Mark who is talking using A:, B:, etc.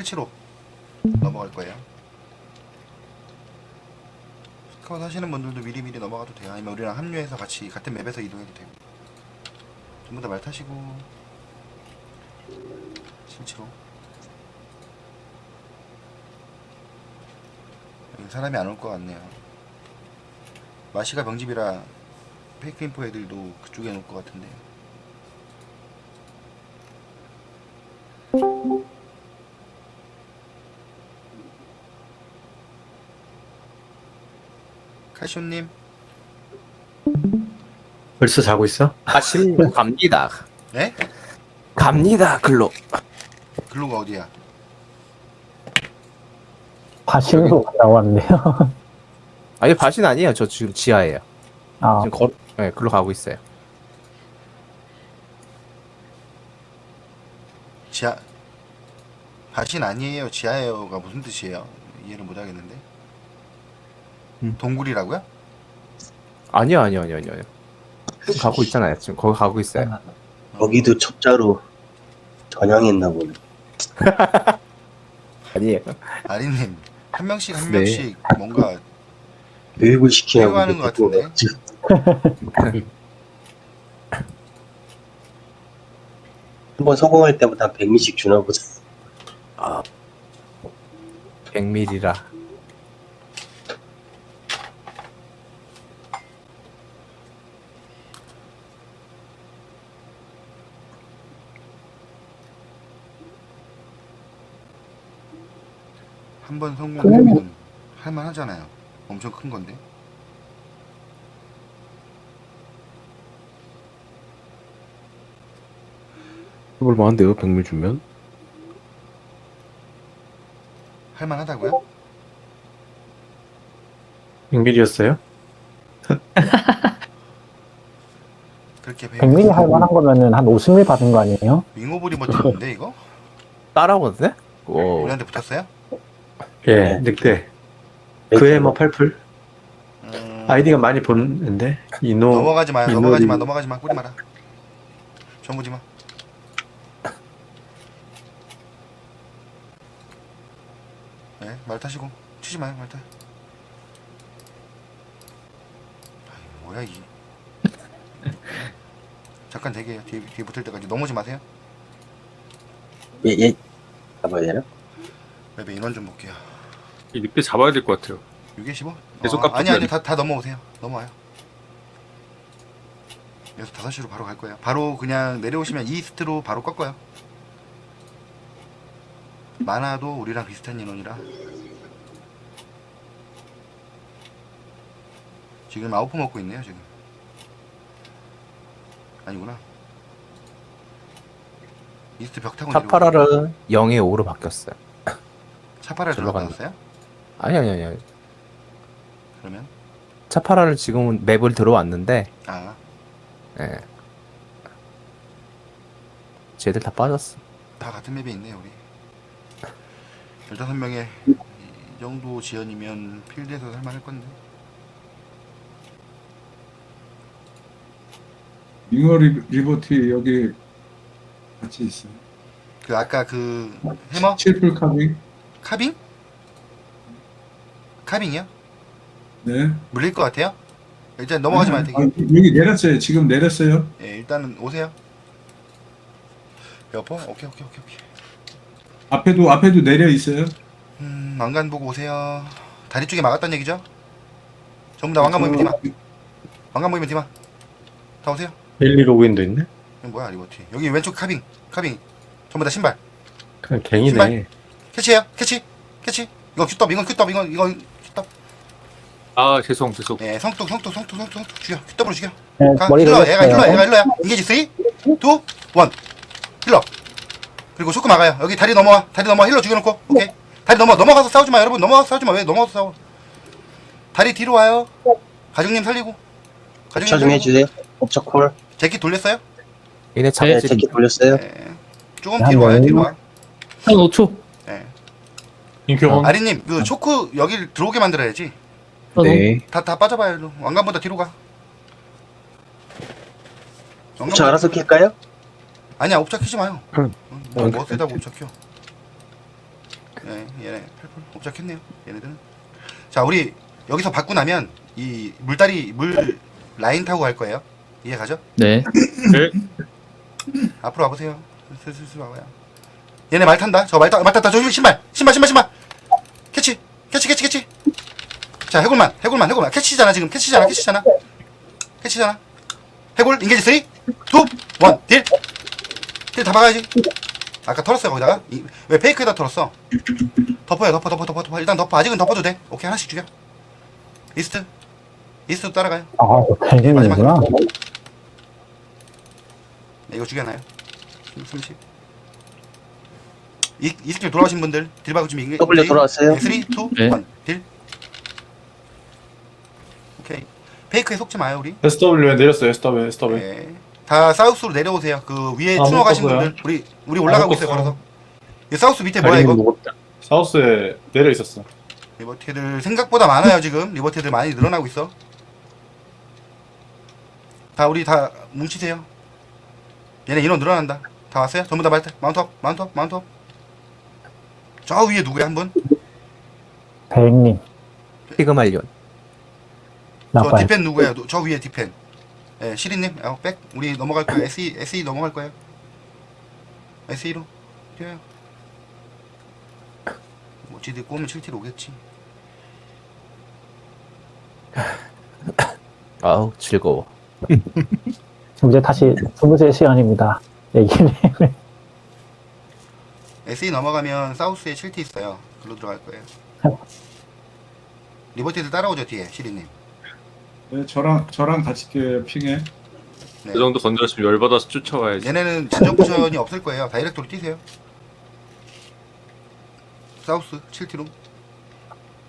A: 실치로 넘어갈 거예요. 스카웃 하시는 분들도 미리미리 넘어가도 돼요. 아니면 우리랑 합류해서 같이 같은 맵에서 이동해도 되고. 전부 다 말 타시고 실치로. 여기 사람이 안 올 것 같네요. 마시가 병집이라 페이크 인포 애들도 그쪽에 놓을 것 같은데. 칼쇼님
B: 벌써 자고 있어?
C: 아침 갑니다.
A: 네?
C: 갑니다. 글로.
A: 글로가 어디야?
D: 과실로 갔다 왔는데요.
C: 아니 바신 아니에요. 저 지금 지하예요.
D: 아,
C: 지금 네, 글로 가고 있어요.
A: 지하 바신 아니에요 지하예요가 무슨 뜻이에요? 이해를 못 하겠는데. 동굴이라고요?
C: 아니요. 지금 가고 있잖아요. 지금 거기 가고 있어요.
E: 거기도 첩자로 전향했나 보네.
C: 아니에요.
A: 아리님 한 명씩 한
C: 네.
A: 명씩 뭔가
E: 교육을 시키냐고.
A: 배워하는 것 같은데.
E: 한번 성공할 때마다 한 100미씩 주나 보자.
C: 100ml라.
A: 한 번 성공하면 할만하잖아요. 엄청 큰 건데.
F: 해볼 만한데요, 100밀 주면?
A: 할만하다고요?
B: 100밀이었어요?
A: 그렇게
D: 100mm 할 만한 거면은 한 50mm 받은 거 아니에요?
A: 윙오블이 버티는데 이거?
C: 따라오는데? 오.
A: 우리한테 붙었어요?
B: 예, 늑대. 그에 뭐 8풀? 아이디가 많이 보는데? 이노.
A: 넘어가지 마요.
B: 이노리-
A: 넘어가지 마. 뿌리 마라. 전부지 마. 네, 말 타시고 치지 마요. 말 타. 아이, 뭐야 이. 잠깐 대기해요. 뒤에 붙을 때까지 넘어지 마세요.
E: 얘 잡아야 되나?
A: 맵에 인원 좀 볼게요.
F: 이 늑대 잡아야 될 것 같아요.
A: 6에 15?
F: 계속
A: 아니
F: 깎아줘야
A: 다 넘어오세요. 넘어와요. 여기서 5시로 바로 갈 거예요. 바로 그냥 내려오시면 이스트로 바로 꺾어요. 많아도 우리랑 비슷한 인원이라. 지금 아웃포 먹고 있네요. 지금 아니구나. 이스트 벽 타고 내려오고.
C: 차파라를 0에 5로 바뀌었어요.
A: 차파를
C: 절로
A: 들어갔어요?
C: 아니요.
A: 그러면
C: 차파라를 지금은 맵을 들어왔는데,
A: 아
C: 예. 쟤들 다 빠졌어.
A: 다 같은 맵에 있네요 우리. 15명의 이 정도 지연이면 필드에서 살만할 건데.
G: 잉어 리버티 여기 같이 있어요.
A: 그 아까 그 해머?
G: 칠풀 카빙.
A: 카빙? 카빙이요?
G: 네.
A: 물릴 것 같아요? 일단 넘어가지 마요. 되게.
G: 여기 내렸어요. 지금 내렸어요.
A: 예, 일단은 오세요. 여보? 오케이.
G: 앞에도 내려 있어요.
A: 왕관 보고 오세요. 다리 쪽에 막았단 얘기죠? 전부 다 왕관 보이면 뒤마. 왕관 보이면 뒤마. 다 오세요.
B: 벨리 로그인도 있네?
A: 이거 뭐야 리버티. 여기 왼쪽 카빙. 전부 다 신발.
B: 그냥 갱이네.
A: 신발? 캐치해요. 캐치. 이거 큐떡. 이거 큐떡.
F: 아, 죄송.
A: 예, 성뚝 죽여. 큐떡으로 죽여.
D: 네,
A: 가.
D: 머리
A: 힐러.
D: 돌렸어요.
A: 얘가 힐러야. 인게지 3, 2, 1. 힐러. 그리고 쇼크 막아요. 여기 다리 넘어와. 힐러 죽여놓고. 오케이. 다리 넘어가서 싸우지 마. 여러분 넘어가서 싸우지 마. 왜 넘어가서 싸워? 다리 뒤로 와요. 가중님 살리고.
E: 옵차 좀 해주세요. 옵차 콜.
A: 제키 돌렸어요?
C: 얘네
E: 네,
C: 잡지.
E: 제키 돌렸어요.
A: 네. 조금 뒤로 와요. 뒤로 와.
H: 한 5초.
A: 네.
B: 인큐원.
A: 아리님 그 초크 여길 들어오게 만들어야지.
H: 네.
A: 다 빠져봐요. 일로. 왕관보다 뒤로 가.
E: 옵차 알아서 킬까요?
A: 아니야 옵차 키지 마요.
B: 응.
A: 뭐 세다고 옵차 켜. 네, 얘네 8풀 옵작했네요. 얘네들은. 자, 우리 여기서 받고 나면 이 물 라인 타고 갈 거예요. 이해 가죠?
H: 네.
A: 앞으로 와보세요. 슬슬 와봐요. 얘네 말 탄다. 저 말 탔다. 조심 신발. 캐치. 자, 해골만. 캐치잖아 지금. 캐치잖아. 해골 인게지 3, 2, 1 딜. 딜 다 박아야지. 아까 털었어요 거기다가. 왜 페이크에다 털었어? 덮어요. 덮어. 일단 덮어. 아직은 덮어도 돼. 오케이, 하나씩 죽여. 이스트 따라가요.
D: 아, 뱅님이구나.
A: 네, 이거 죽여놔요. 30. 이 스킬 돌아오신 분들 딜 박을 준비.
E: W 돌아왔어요?
A: 3, 2,
H: 네.
A: 1 딜. 오케이. 페이크에 속지 마요 우리.
B: SW에 내렸어요. SW.
A: 네. 다 사우스로 내려오세요. 그 위에
B: 아,
A: 추노 가신
B: 묶었어요.
A: 분들 우리 올라가고 있어요.
B: 묶었어.
A: 걸어서. 이 사우스 밑에 뭐야 이거?
B: 사우스에 내려 있었어.
A: 리버티들 생각보다 많아요 지금. 리버티들 많이 늘어나고 있어. 우리 다 뭉치세요. 얘네 인원 늘어난다. 다 왔어요? 전부 다 마운트업. 저 위에 누구야 한 분?
D: 뱅님.
C: 피그말리온.
A: 저
D: 나빠요.
A: 디펜 누구야? 저 위에 디펜. 예, 시리님, 백. 우리 넘어갈 거예요. SE 넘어갈 거예요. SE로 뛰어요. 뭐 지들 꼬면 7T로 오겠지.
C: 아우 즐거워.
D: 이제 다시 23시간입니다. 얘기는.
A: SE 넘어가면 사우스에 7T 있어요. 글로 들어갈 거예요. 리버티들 따라오죠 뒤에 시리님.
G: 네, 저랑 같이 핑해.
A: 네.
F: 그 정도 건드렸으면 열받아서 쫓아와야지.
A: 얘네는 진정 포션이 없을 거예요. 다이렉트로 뛰세요. 사우스 7T로.